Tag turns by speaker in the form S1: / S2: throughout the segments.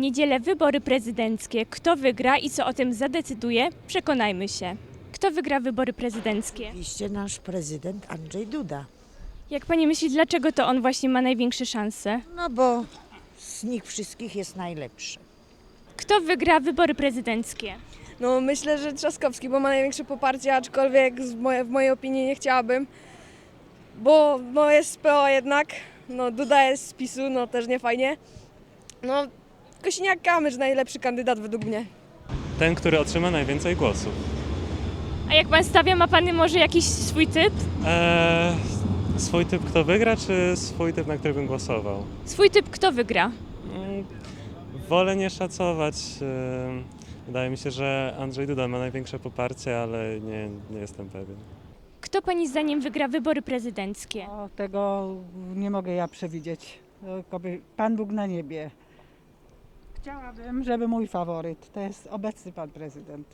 S1: niedzielę wybory prezydenckie. Kto wygra i co o tym zadecyduje? Przekonajmy się. Kto wygra wybory prezydenckie?
S2: Oczywiście nasz prezydent Andrzej Duda.
S1: Jak pani myśli, dlaczego to on właśnie ma największe szanse?
S2: No bo z nich wszystkich jest najlepszy.
S1: Kto wygra wybory prezydenckie?
S3: No myślę, że Trzaskowski, bo ma największe poparcie, aczkolwiek w mojej opinii nie chciałabym, bo jest z PO jednak, no Duda jest z PiS-u, no też nie fajnie. No Kosiniak-Kamysz najlepszy kandydat według mnie.
S4: Ten, który otrzyma najwięcej głosów.
S1: A jak pan stawia, ma pan może jakiś swój typ?
S4: Swój typ kto wygra, czy swój typ, na który bym głosował?
S1: Swój typ kto wygra?
S4: Wolę nie szacować. Wydaje mi się, że Andrzej Duda ma największe poparcie, ale nie jestem pewien.
S1: Kto pani zdaniem wygra wybory prezydenckie?
S5: O, tego nie mogę ja przewidzieć. Tylko by Pan Bóg na niebie. Chciałabym, żeby mój faworyt to jest obecny pan prezydent.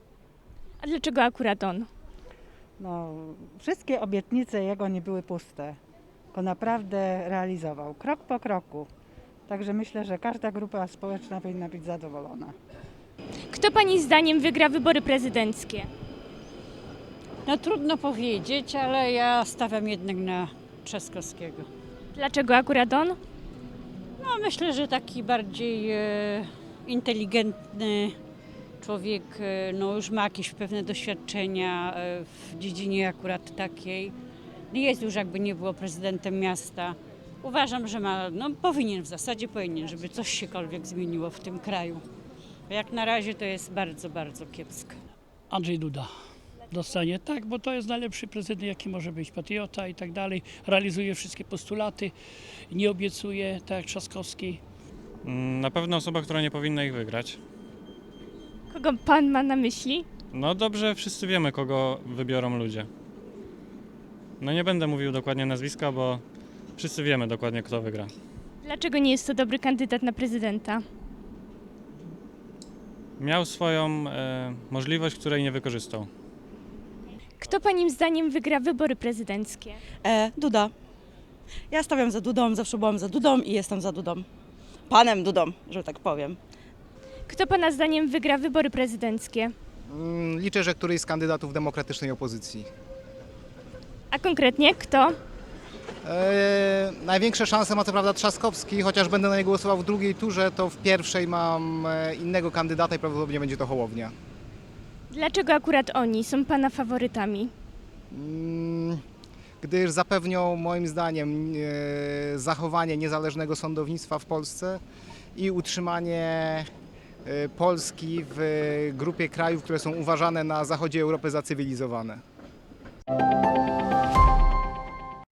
S1: A dlaczego akurat on?
S5: No, wszystkie obietnice jego nie były puste. Go naprawdę realizował, krok po kroku. Także myślę, że każda grupa społeczna powinna być zadowolona.
S1: Kto pani zdaniem wygra wybory prezydenckie?
S6: No trudno powiedzieć, ale ja stawiam jednak na Trzaskowskiego.
S1: Dlaczego akurat on?
S6: No myślę, że taki bardziej inteligentny człowiek, no już ma jakieś pewne doświadczenia w dziedzinie akurat takiej. Jest już jakby nie było prezydentem miasta. Uważam, że powinien w zasadzie, żeby coś siekolwiek zmieniło w tym kraju. Jak na razie to jest bardzo, bardzo kiepsko.
S7: Andrzej Duda dostanie, tak, bo to jest najlepszy prezydent, jaki może być, patriota i tak dalej, realizuje wszystkie postulaty, nie obiecuje, tak jak Trzaskowski.
S8: Na pewno osoba, która nie powinna ich wygrać.
S1: Kogo pan ma na myśli?
S8: No dobrze, wszyscy wiemy, kogo wybiorą ludzie. No nie będę mówił dokładnie nazwiska, bo wszyscy wiemy dokładnie, kto wygra.
S1: Dlaczego nie jest to dobry kandydat na prezydenta?
S8: Miał swoją możliwość, której nie wykorzystał.
S1: Kto pani zdaniem wygra wybory prezydenckie?
S9: Duda. Ja stawiam za Dudą, zawsze byłam za Dudą i jestem za Dudą. Panem Dudą, że tak powiem.
S1: Kto pana zdaniem wygra wybory prezydenckie?
S10: Liczę, że któryś z kandydatów demokratycznej opozycji.
S1: A konkretnie kto?
S10: Największe szanse ma co prawda Trzaskowski, chociaż będę na niego głosował w drugiej turze, to w pierwszej mam innego kandydata i prawdopodobnie będzie to Hołownia.
S1: Dlaczego akurat oni są pana faworytami?
S10: Gdyż zapewnią moim zdaniem zachowanie niezależnego sądownictwa w Polsce i utrzymanie Polski w grupie krajów, które są uważane na zachodzie Europy za cywilizowane.